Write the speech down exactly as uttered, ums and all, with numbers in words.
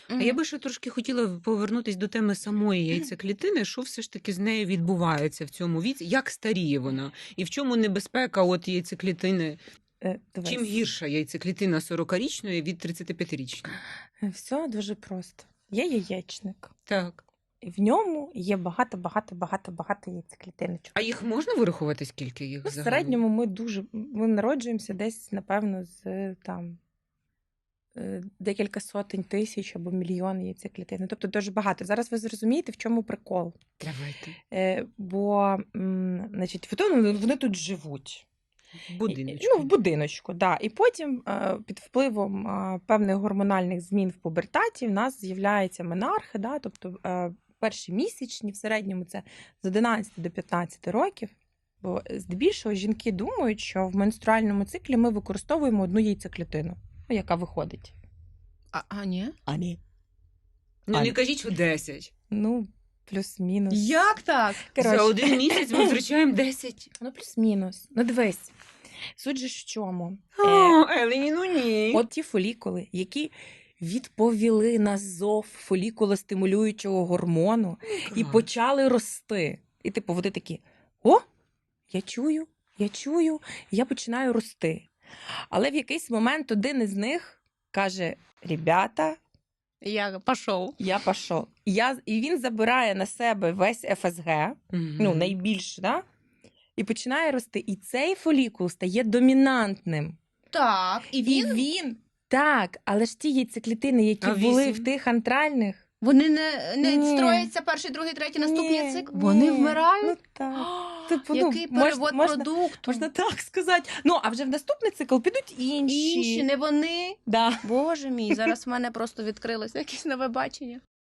А я би ще трошки хотіла повернутися до теми самої яйцеклітини. Що все ж таки з нею відбувається в цьому віці? Як старіє вона? І в чому небезпека от яйцеклітини? Е, дивись. Чим гірша яйцеклітина сорокарічної від тридцятип'ятирічної? Все дуже просто. Є яєчник. Так. І в ньому є багато-багато-багато-багато яйцеклітиночок. А їх можна вирахувати, скільки їх Ну, в загалом? середньому ми дуже ми народжуємося десь, напевно, з там е, декілька сотень тисяч або мільйон яйцеклітин. Тобто дуже багато. Зараз ви зрозумієте, в чому прикол. Давайте. Е, бо, м, значить, вони, вони тут живуть. В будиночку. Ну, в будиночку, да. І потім е, під впливом е, певних гормональних змін в пубертаті в нас з'являються менархи, да, тобто е, перші місячні в середньому це з одинадцяти до п'ятнадцяти років. Бо здебільшого жінки думають, що в менструальному циклі ми використовуємо одну яйцеклітину, ну, яка виходить. А, а ні? А ні. Ну, А, не кажіть, що десять. Ну, плюс-мінус. Як так? Коротше. За один місяць ми втрачаємо десять. Ну, плюс-мінус. Ну, дивись. Суть же ж в чому? Е, О, Елені, ну ні. От ті фолікули, які відповіли на зов фолікулостимулюючого гормону і Клас. почали рости. І типу вони такі: о, я чую, я чую, я починаю рости. Але в якийсь момент один із них каже: ребята, Я пішов. я пішов. І, я, і він забирає на себе весь еф ес ге, Мгм. ну, найбільше, да? І починає рости. І цей фолікул стає домінантним. Так, і І він? він, так, але ж ті яйцеклітини, які А були вісім? в тих антральних, Вони не, не Ні. строяться перший, другий, третій, наступний Ні, цикл? ні. Вони Ну вмирають? так. Типу, ну, Який можна- перевод можна- продукту? Можна так сказати. Ну, а вже в наступний цикл підуть інші. Інші, не вони. Да. Боже мій, зараз в мене просто відкрилося якесь нове бачення.